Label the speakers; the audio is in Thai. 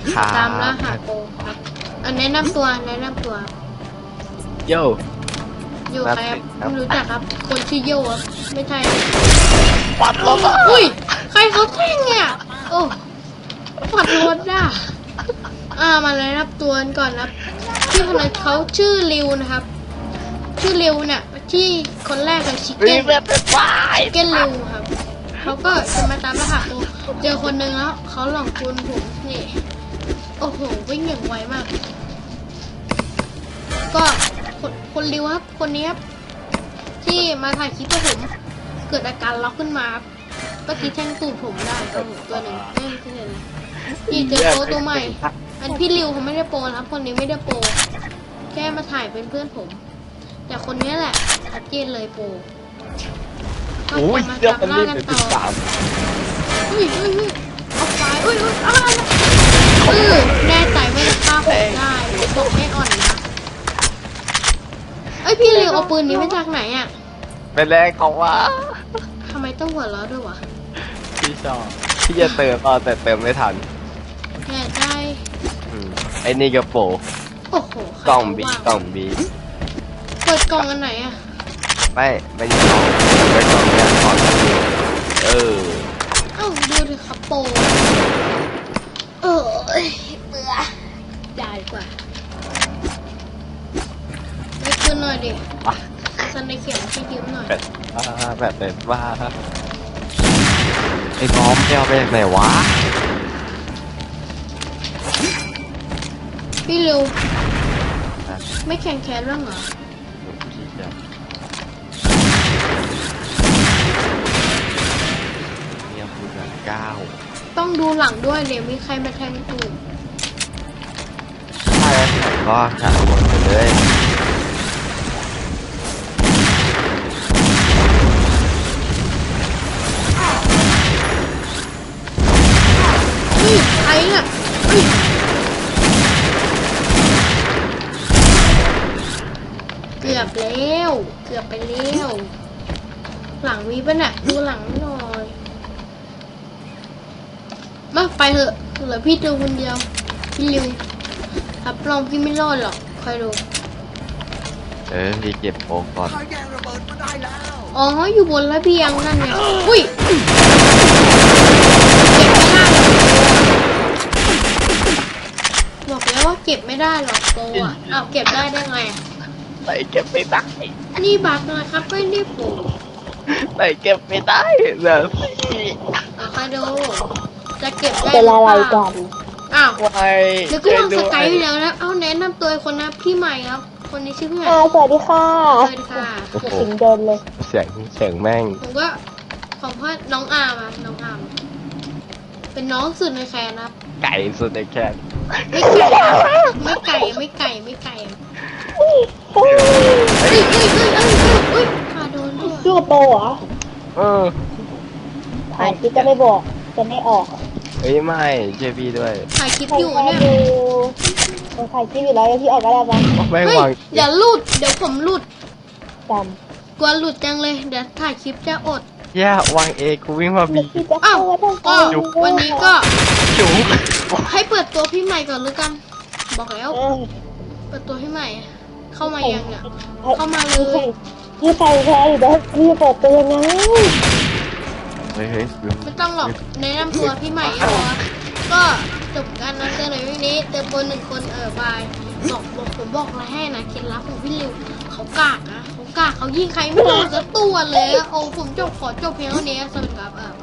Speaker 1: ครับ
Speaker 2: ตามล่าหาโกงครับแนะนำตัว
Speaker 1: โย่
Speaker 2: โยใครครับไม่รู้จักครับ คนชื่อโยครับไม่ใช่
Speaker 1: ปัดรถ
Speaker 2: อุ้ยใครเขาแท่งเนี่ยโอ้ปัดรถอ่ะมาเลยรับตัวกันก่อนครับที่คนนั้นเขาชื่อริวนะครับ ชื่อริวเนี่ยที่คนแรกกับชิค
Speaker 1: วิ่
Speaker 2: เก้
Speaker 1: ง
Speaker 2: น
Speaker 1: แบบเป็นฝ่าย
Speaker 2: ชิคเก้นริวครับเขาก็จะมาตามรหัสโกเจอคนหนึ่งแล้วเขาหลอกคุณผมนี่โอ้โหวิ่งอย่างไวมาก ก็คนริวครับคนนี้ครับที่มาถ่ายคลิปกับผมเกิดอาการล็อกขึ้นมาครับก็คิดแท่งตูดผมได้ตัวหนึ่งไม่ใช่เลยนี่เจอโปรตัวใหม่ อันพี่ริวเขาไม่ได้โปรนะครับคนนี้ไม่ได้โปรแค่มาถ่ายเป็นเพื่อนผม แต่คนนี้แหละชัดเจนเลยโปรก็
Speaker 1: โอ้ย
Speaker 2: จะมา
Speaker 1: เรื่อง
Speaker 2: จับ
Speaker 1: มัน
Speaker 2: ล่า
Speaker 1: รีบ
Speaker 2: กัน
Speaker 1: เป็น
Speaker 2: ต่อ
Speaker 1: สาม
Speaker 2: อุ้ยเอาไฟอะไรแน่ใจไม่ได้ฆ่าผมได้บอกไม่อ่อนนะพี่ริวเอาปืนนี้มาจากไหนอ่ะ
Speaker 1: เป็นแรกเขาว่า
Speaker 2: ทำไมต้องหัวเราะด้วยวะ
Speaker 1: พี่ชอบพี่จะเติมแต่เติมไม่ทัน
Speaker 2: แน่ใจ
Speaker 1: ไอ้นี่กระโปรง
Speaker 2: โอ้โหใคร
Speaker 1: กล่อง
Speaker 2: จะ
Speaker 1: บี
Speaker 2: ว่าง
Speaker 1: กล่องบี
Speaker 2: เปิดกล่องอันไหนอ่ะ
Speaker 1: ไม่ใช่กล่องเป็นกล่องเนี่ยกล่องเออ
Speaker 2: เอ้าดูดิครับโปเบื่อได้กว่าได้คืนหน่อยดิซันในเขียนให้ยืมหน่อย
Speaker 1: แบบเป็นว่าไอ้บอมไปเอาไปจากไหนวะ
Speaker 2: พี่ริวไม่แข่งแคสเรื่องเหรอ
Speaker 1: เนี่ยพูดแบบ9
Speaker 2: ต้องดูหลังด้วยเดี๋ยวมีใครมาแทงตูด
Speaker 1: ถ้าแล้วแต่ก็หาหมดไปเลย
Speaker 2: ใครน่ะเกือบแล้วเกือบไปแล้วหลังมีป่ะน่ะดูหลังหน่อยมาไปเถอะเหลือพี่ตัวคนเดียวพี่ริวรับรองพี่ไม่รอดหรอกคอยดู
Speaker 1: พี่เก็บโป๊กก่อน
Speaker 2: อ๋ออยู่บนระเบียงนั่นไงอุ้ยเก็บไม่ได้หรอกบอกแล้วว่าเก็บไม่ได้หรอกโตอ่ะเอาเก็บได้ไง
Speaker 1: ไหนเก็บไม่ได้
Speaker 2: นี่บักนะครับไม่ได้ปลูก
Speaker 1: ไหนเก็บไม่ได้เดี๋ยวสิ
Speaker 2: คอยดูจะเก็บได้
Speaker 3: เป็นอะไร
Speaker 2: หเป
Speaker 3: กั
Speaker 2: ล่าน อ้าว
Speaker 1: ไว้
Speaker 2: เดี๋ยวก็วางสกายอยู่แล้วนะเอาแนะนำตัวคนนะพี่ใหม่ครับคนนี้ชื่อพี่ใหม่
Speaker 3: สวัสดีค่ะ
Speaker 2: สวัสดีค่ะ
Speaker 3: ถึงเดินเลย
Speaker 1: เสียงแม่ง
Speaker 2: ผมก็ของพ่อน้องอาร์มอะน้องอาร์มเป็นน้องสุดในแคนครับ
Speaker 1: ไก่สุดในแคน
Speaker 2: ไม่ไก่อุ้ยพาโดนด้วย
Speaker 3: ชื่อโปเหรอ
Speaker 1: เออ
Speaker 3: ถ่ายคลิปจะไม่บอก จะไม่ออก
Speaker 1: เอ้ยไม่เชื่อพี่ด้วย
Speaker 2: ถ่ายคลิป
Speaker 3: ใคร
Speaker 2: อยู่
Speaker 3: แค่
Speaker 2: เนี่ย
Speaker 3: ดูถ่ายคลิปอยู่แล้วเดี๋ยวพี่ออกก็ได้ปะ
Speaker 1: แม่ง
Speaker 2: เฮ้ยว
Speaker 1: าง
Speaker 2: อย่าหลุดเดี๋ยวผมหลุด
Speaker 3: จ
Speaker 2: กลัวหลุดจังเลยเดี๋ยวถ่ายคลิปจะอด
Speaker 1: แย่วางเอกูวิ่งมา
Speaker 3: ำ
Speaker 1: บี
Speaker 3: แล้วพี่จะเข้าว่าต้อง
Speaker 2: ก็วันนี้ก็
Speaker 1: จุ๋ม
Speaker 2: ให้เปิดตัวพี่ใหม่ก่อนหรือกัน บอกแล้ว
Speaker 3: เออ
Speaker 2: เปิดตัวพี่ใหม่ เข้ามายังเนี่ยเข้ามาเล
Speaker 3: พี่
Speaker 2: ย
Speaker 3: ใครแพ้อยู่แล้วพี่เปิดตัวยังไง
Speaker 1: เฮ้ย
Speaker 2: ไม่ต้องหรอกแนะนำตัวพี่ใหม่พอก็จบกันนะเจอในวันนี้เจอคนหนึ่งคนบายบอกผมบอกอะไรให้นะเคล็ดลับของพี่ริวเขากากนะเขากากเขายิงใครไม่โดนสักตัวเลยโอ้ผมขอจบเพียงเท่านี้สวัสดีครับ